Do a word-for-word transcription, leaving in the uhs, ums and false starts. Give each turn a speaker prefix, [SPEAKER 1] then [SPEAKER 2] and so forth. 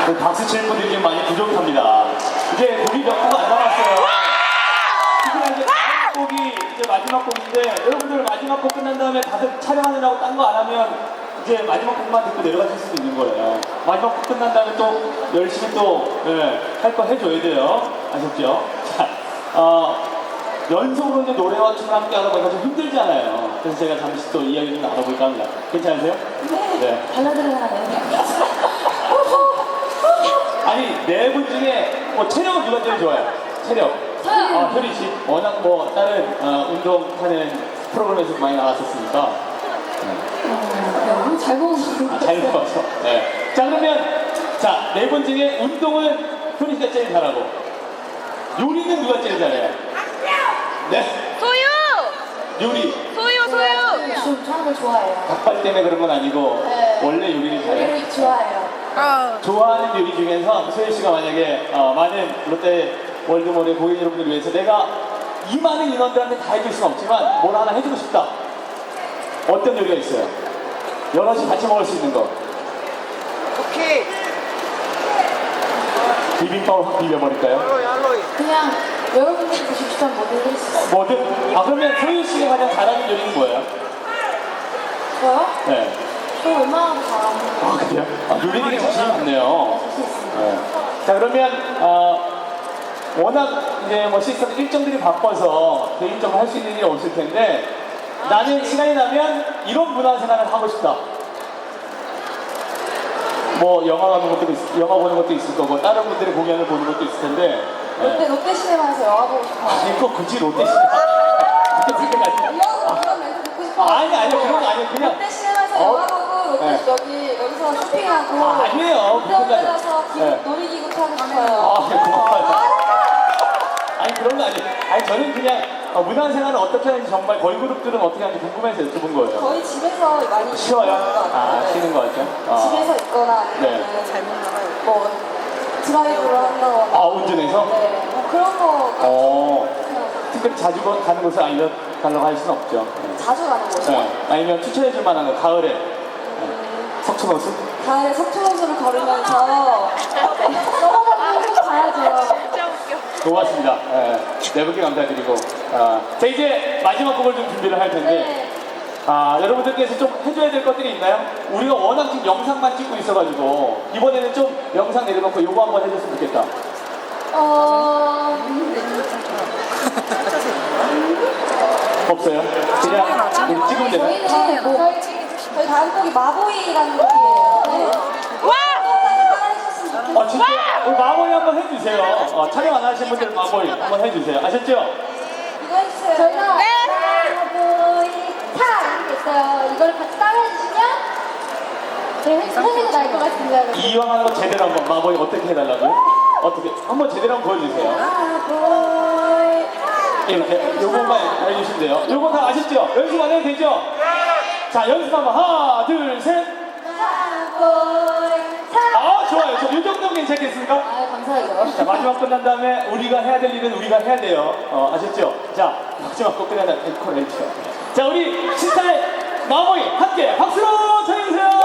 [SPEAKER 1] 박수 칠 분들이 좀 많이 부족합니다. 이제 곡이 몇 곡 안 남았어요. 지금 이제 다음 곡이 이제 마지막 곡인데, 여러분들 마지막 곡 끝난 다음에 다들 촬영하느라고 딴 거 안 하면 이제 마지막 곡만 듣고 내려가실 수도 있는 거예요. 마지막 곡 끝난 다음에 또 열심히 또 할 거 해줘야 돼요. 아셨죠? 자, 어, 연속으로 이제 노래와 춤을 함께 하다 보니까 좀 힘들잖아요. 그래서 제가 잠시 또 이야기 좀 나눠볼까 합니다. 괜찮으세요? 네.
[SPEAKER 2] 발라드를 하나 내요.
[SPEAKER 1] 아니, 네 분 중에 뭐 체력은 누가 제일 좋아요? 체력.
[SPEAKER 2] 저요.
[SPEAKER 1] 아, 효리 씨. 워낙 뭐 다른 어, 운동하는 프로그램에서 많이 나왔었으니까.
[SPEAKER 2] 어, 잘 보고
[SPEAKER 1] 아, 잘 배워서. 네. 자, 그러면 자, 네 분 중에 운동은 효리 씨가 제일 잘하고 요리는 누가 제일 잘해요? 네.
[SPEAKER 3] 소유!
[SPEAKER 1] 요리.
[SPEAKER 3] 소유, 소유!
[SPEAKER 2] 좀 하는 걸 좋아해요.
[SPEAKER 1] 닭발 때문에 그런 건 아니고
[SPEAKER 2] 네.
[SPEAKER 1] 원래 요리를 잘해.
[SPEAKER 2] 요리 좋아해요.
[SPEAKER 3] 어.
[SPEAKER 1] 좋아하는 요리 중에서 소유 씨가 만약에 어, 많은 롯데 월드몰의 고객 여러분들 위해서 내가 이 많은 인원들한테 다 해줄 수는 없지만 뭘 하나 해주고 싶다. 어떤 요리가 있어요? 여럿이 같이 먹을 수 있는 거.
[SPEAKER 3] 오케이.
[SPEAKER 1] 비빔밥을 확 비벼버릴까요?
[SPEAKER 3] 알로이, 알로이.
[SPEAKER 2] 그냥 여러분들이 보시고 싶다면 뭐든 할수 있어요.
[SPEAKER 1] 뭐든? 아, 그러면 소유 씨가 가장 잘하는 요리는 뭐예요?
[SPEAKER 2] 저요?
[SPEAKER 1] 네.
[SPEAKER 2] 저 웬만하면 잘하는 거.
[SPEAKER 1] 아, 그래요? 아, 요리들이 자신이 많네요.
[SPEAKER 2] 할수 있습니다.
[SPEAKER 1] 네. 자, 그러면 어, 워낙 이제 뭐 시스템 일정들이 바빠서 개인적으로 할 수 있는 일이 없을 텐데 나는 시간이 나면 이런 문화생활을 하고 싶다. 뭐 영화 가는 것도 있, 영화 보는 것도 있을 거고 다른 분들의 공연을 보는 것도 있을 텐데.
[SPEAKER 2] 롯데,
[SPEAKER 1] 네.
[SPEAKER 2] 롯데 시네마에서 영화 보고 싶어요.
[SPEAKER 1] 아니, 꼭 굳이 롯데 시네마 그렇게 생각하지.
[SPEAKER 2] 이런, 이런 멘트 듣고 싶어요.
[SPEAKER 1] 아니 아니 그런 거 아니에요. 그냥
[SPEAKER 2] 롯데 시네마에서
[SPEAKER 1] 어?
[SPEAKER 2] 영화 보고 롯데
[SPEAKER 1] 네.
[SPEAKER 2] 여기 여기서 쇼핑하고
[SPEAKER 1] 아, 아니에요.
[SPEAKER 2] 롯데 호텔
[SPEAKER 1] 그것까지.
[SPEAKER 2] 가서 기구,
[SPEAKER 1] 네.
[SPEAKER 2] 놀이기구 타고 싶어요.
[SPEAKER 1] 아, 네, 고마워요. 아니 그런 거 아니에요. 아니 저는 그냥 어, 문화생활을 어떻게 하는지 정말 걸그룹들은 어떻게 하는지 궁금해서 여쭤본 거예요.
[SPEAKER 2] 거의 집에서 많이
[SPEAKER 1] 쉬워요?
[SPEAKER 2] 있는 것 같아요.
[SPEAKER 1] 아,
[SPEAKER 2] 네.
[SPEAKER 1] 쉬는 거 같죠? 아.
[SPEAKER 2] 집에서 있거나
[SPEAKER 1] 네.
[SPEAKER 2] 아니면 잘못 나가요. 뭐 드라이브를 한다거나.
[SPEAKER 1] 아, 운전해서?
[SPEAKER 2] 네. 뭐 그런 거
[SPEAKER 1] 어,
[SPEAKER 2] 그냥
[SPEAKER 1] 특별히 자주 거- 가는 곳을 알려달라고 할 수는 없죠. 네.
[SPEAKER 2] 자주 가는 거죠.
[SPEAKER 1] 네. 아니면 추천해줄 만한 거, 가을에. 네. 석촌호수?
[SPEAKER 2] 가을에 석촌호수를 걸으면서 넘어가고 가야죠.
[SPEAKER 3] 진짜 웃겨.
[SPEAKER 1] 고맙습니다. 네. 네 분께 감사드리고. 아, 자, 이제 마지막 곡을 좀 준비를 할 텐데.
[SPEAKER 2] 네.
[SPEAKER 1] 아, 여러분들께서 좀 해줘야 될 것들이 있나요? 우리가 워낙 지금 영상만 찍고 있어가지고 이번에는 좀 영상 내려놓고 요거 한번 해줬으면 좋겠다.
[SPEAKER 2] 어...
[SPEAKER 1] 없어요? 그냥 우리 찍으면 되나요?
[SPEAKER 2] 저희는 뭐 저희, 저희 다음 곡이 마보이라는 곡이에요. 네.
[SPEAKER 3] 와!
[SPEAKER 2] 따라해주셨으면 좋겠어요.
[SPEAKER 1] 아, 진짜 우리 마보이 한번 해주세요. 어, 촬영 안 하신 분들 마보이 한번 해주세요. 아셨죠?
[SPEAKER 2] 이거 해주세요. 저희가
[SPEAKER 3] 네.
[SPEAKER 2] 마보이 타 이런 게 있어요. 이걸 같이 따라해주시면 저희 선생님도 나을 것 같습니다. 여러분.
[SPEAKER 1] 이왕 한번 제대로 한번 마보이 어떻게 해달라고요? 어떻게? 한번 제대로 한번 보여주세요.
[SPEAKER 2] 마보이
[SPEAKER 1] 이렇게 요것만 해주시면 돼요. 요거 다 아셨죠? 연습 안 해도 되죠? 자, 연습 한번 하나, 둘, 셋.
[SPEAKER 2] 마보이 타.
[SPEAKER 1] 아, 좋아요. 저 요 정도면 괜찮겠습니까?
[SPEAKER 2] 아 감사하죠.
[SPEAKER 1] 자, 마지막 끝난 다음에 우리가 해야 될 일은 우리가 해야 돼요. 어, 아셨죠? 자, 마지막 곡 끝난 다음에 앵콜 해주세요. 자, 우리 신사의 마모이 함께 박수로 청해주세요!